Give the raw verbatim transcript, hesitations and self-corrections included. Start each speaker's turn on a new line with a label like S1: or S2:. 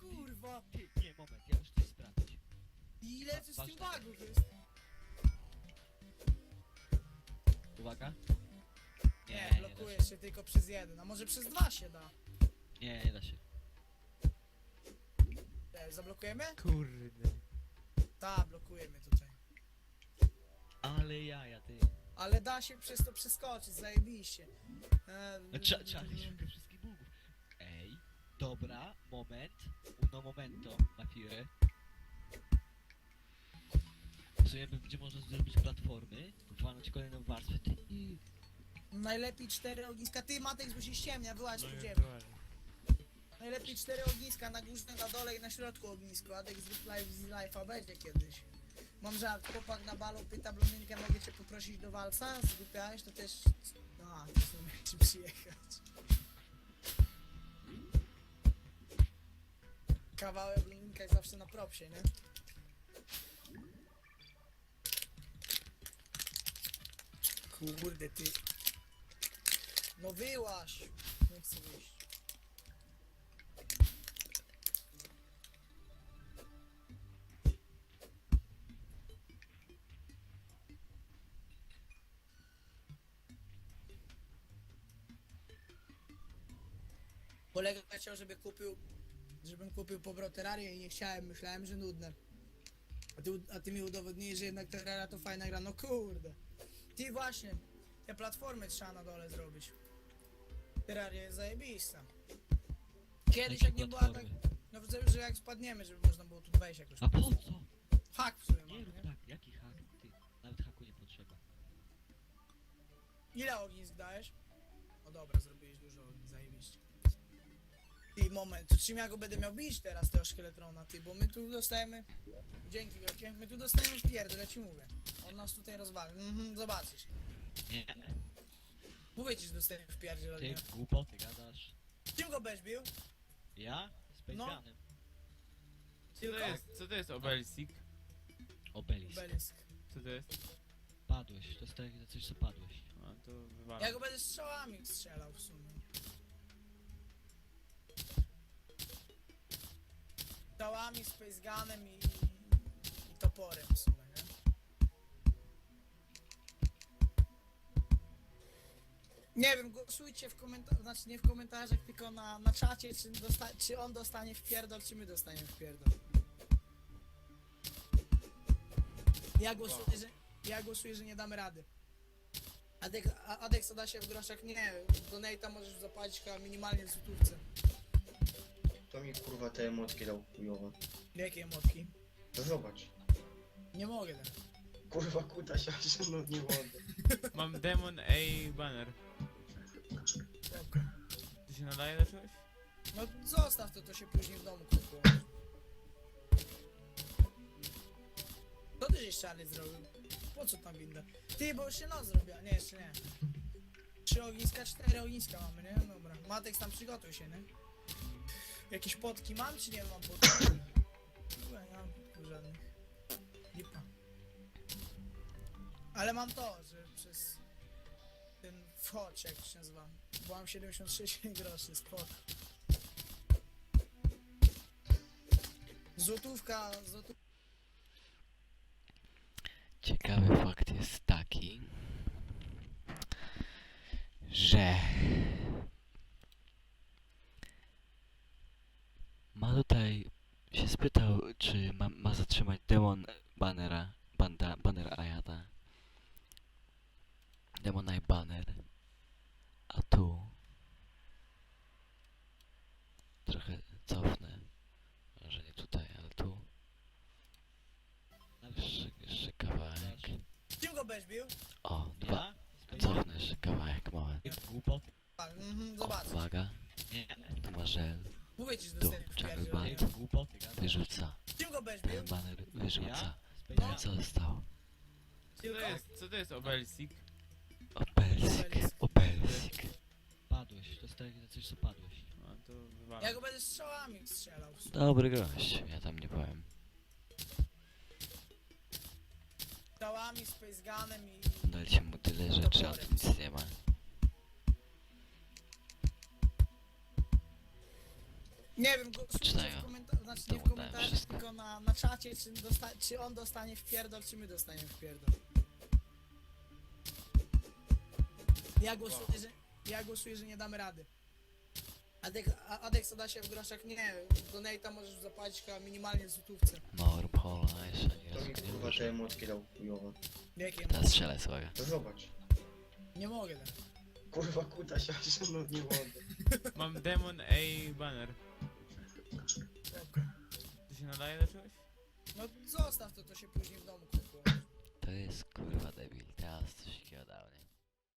S1: kurwa!
S2: Ty, nie, moment, ja muszę coś sprawdzić.
S1: Ile tu z tym
S2: Ważne.
S1: bugów jest?
S2: Uwaga.
S1: Nie,
S2: nie
S1: blokuje
S2: da
S1: się tylko przez jeden, a może przez dwa się da.
S2: Nie, nie da się.
S1: E, zablokujemy?
S3: Kurde.
S1: Ta, blokujemy tutaj.
S2: Ale jaja, ty.
S1: Ale da się przez to przeskoczyć, zajebiście. E,
S2: No, trzeba, trzeba mieć szukać wszystkich bugów. Ej, dobra, moment. Uno momento, na firy. W sumie będzie można zrobić platformy, walnąć kolejną warstwę. Ty, i...
S1: Najlepiej cztery ogniska. Ty, Matek, bo się ściemnia, wyłaź tu ziemię. Najlepiej cztery ogniska na górze, na dole i na środku ognisko. Adek z Life z Life'a będzie kiedyś. Mam żart, chłopak na balu pyta blondynkę, mogę cię poprosić do walca? Zgłupiałeś, to też... A, to są ci przyjechać. Kawałek blondynka jest zawsze na propsie, nie? Kurde ty. No wyłaś. Nie chcę wyjść. Kolega chciał, żeby kupił, żebym kupił powrót Terrarię i nie chciałem, myślałem, że nudne. A ty, a ty mi udowodniłeś, że jednak Terraria to fajna gra, no kurde. Ty właśnie, te platformy trzeba na dole zrobić. Terraria jest zajebista. Kiedyś
S2: Jakie
S1: jak nie była tak,
S2: platformy?
S1: no że że jak spadniemy, żeby można było tu wejść jakoś.
S2: A po co?
S1: Hak w sumie
S2: Nie
S1: mam,
S2: rób
S1: nie?
S2: tak, jaki hak? Ty, nawet haku nie potrzeba.
S1: Ile ognisk dajesz? O dobra, zrobiłeś dużo ognisk, zajebiście. Ty, moment, to czym ja go będę miał bić teraz, tego szkieletrona, ty, bo my tu dostajemy... Dzięki wielkie, my tu dostajemy pierdol, ja ci mówię. On nas tutaj rozwali, mhm, zobaczysz.
S2: Nie,
S1: Mówię ci, że dostajemy w pierdziel od
S2: ty
S1: niego.
S2: głupoty gadasz.
S1: Czym go będziesz bił?
S2: Ja? Z
S1: No.
S2: Pejganem.
S3: Co to
S1: Tylko?
S3: jest? Co to jest obelisk?
S2: Obelisk.
S1: Obelisk.
S3: Co to jest?
S2: Padłeś, to jest tak jak za coś, co padłeś.
S3: A to wywalam.
S1: Ja go będę strzałami strzelał w sumie. Strzałami, space gunem i, i toporem w sumie, nie? Nie wiem, głosujcie w komentarzach, znaczy nie w komentarzach, tylko na, na czacie, czy, dosta czy on dostanie w pierdol, czy my dostaniemy w pierdol. Ja głosuję, że, ja głosuję, że nie damy rady. Adek, a- Adek co da się w groszach? Nie, donate'a możesz zapłacić chyba minimalnie w złotówce.
S4: To mi kurwa te emotki dał chujowe.
S1: Jakie emotki?
S4: To zobacz.
S1: Nie mogę tak.
S4: Kurwa kuta się, aż no nie mogę.
S3: Mam Demon A banner.
S1: Spoko.
S3: To się nadaje do czegoś?
S1: No zostaw to, to się później w domu kupuję. Co ty żeś czarny zrobił? Po co tam winda? Ty, bo już się noc zrobiła. Nie, jeszcze nie. Trzy ogniska, cztery ogniska mamy, nie? Dobra. Matek tam przygotuj się, nie? Jakieś potki mam, czy nie mam potki? Chyba nie mam potków żadnych. Lipa. Ale mam to, że przez ten wchodź, jak to się nazywa. Bo mam siedemdziesiąt sześć groszy, spoko. Złotówka, złotówka.
S5: Ciekawy fakt jest taki, że ma tutaj się spytał, czy ma, ma zatrzymać demon bannera, banda, banner Ayata. Demon Eye banner. A tu trochę cofnę. Może nie tutaj, ale tu. Jeszcze, jeszcze kawałek.
S1: Czym go będziesz bił?
S5: O, dwa.
S2: Ja? Z Pejganem.
S5: Cofnę jeszcze kawałek, moment.
S2: Ty głupoty.
S1: Mhm,
S5: O,
S1: zobacz.
S5: uwaga.
S2: Nie,
S5: Tu ma żel.
S1: Mówię ci, że
S5: Tu,
S1: dostaniesz w
S5: Jungle
S1: pierdziel.
S5: Band.
S2: ty głupoty gadasz.
S5: Wyrzuca.
S1: Czym go będziesz bił?
S5: Ten banner wyrzuca.
S2: Ja? Z
S5: No i
S2: Pejganem.
S5: co zostało?
S3: Co to jest? Co to jest obelisk?
S5: Obelisk. Obelisk.
S2: Padłeś, to jest tak jak za coś, co padłeś.
S3: A to
S1: Ja
S3: wywalam.
S1: go będę strzałami strzelał w sumie.
S5: Dobry gość. Ja tam nie byłem.
S1: Strzałami, space gunem i...
S5: Dajcie mu tyle rzeczy, a tu nic nie ma.
S1: Nie wiem, głosujcie
S5: Czytają.
S1: w komentarzu, znaczy nie w
S5: To dałem
S1: komentarzach,
S5: wszystko.
S1: tylko na, na czacie, czy, dosta czy on dostanie w pierdol, czy my dostaniemy w pierdol. Ja głosuję, że, ja głosuję, że nie damy rady. Adek, a- Adek zada się w groszach, nie, donate'a możesz zapłacić chyba minimalnie w złotówce.
S5: No, rób hola, jeszcze nie
S4: To mi
S5: raz nie
S4: kurwa te
S5: użył.
S4: emotki dał chujowo.
S1: Jakie?
S5: Teraz strzelaj sobie.
S4: To zobacz.
S1: Nie mogę tak.
S4: Kurwa kuta się, aż no nie mogę.
S3: Mam Demon A banner. To się nadaje do czegoś?
S1: No zostaw to, to się później w domu kupuje.
S5: To jest kurwa debil, teraz coś takiego dał, nie?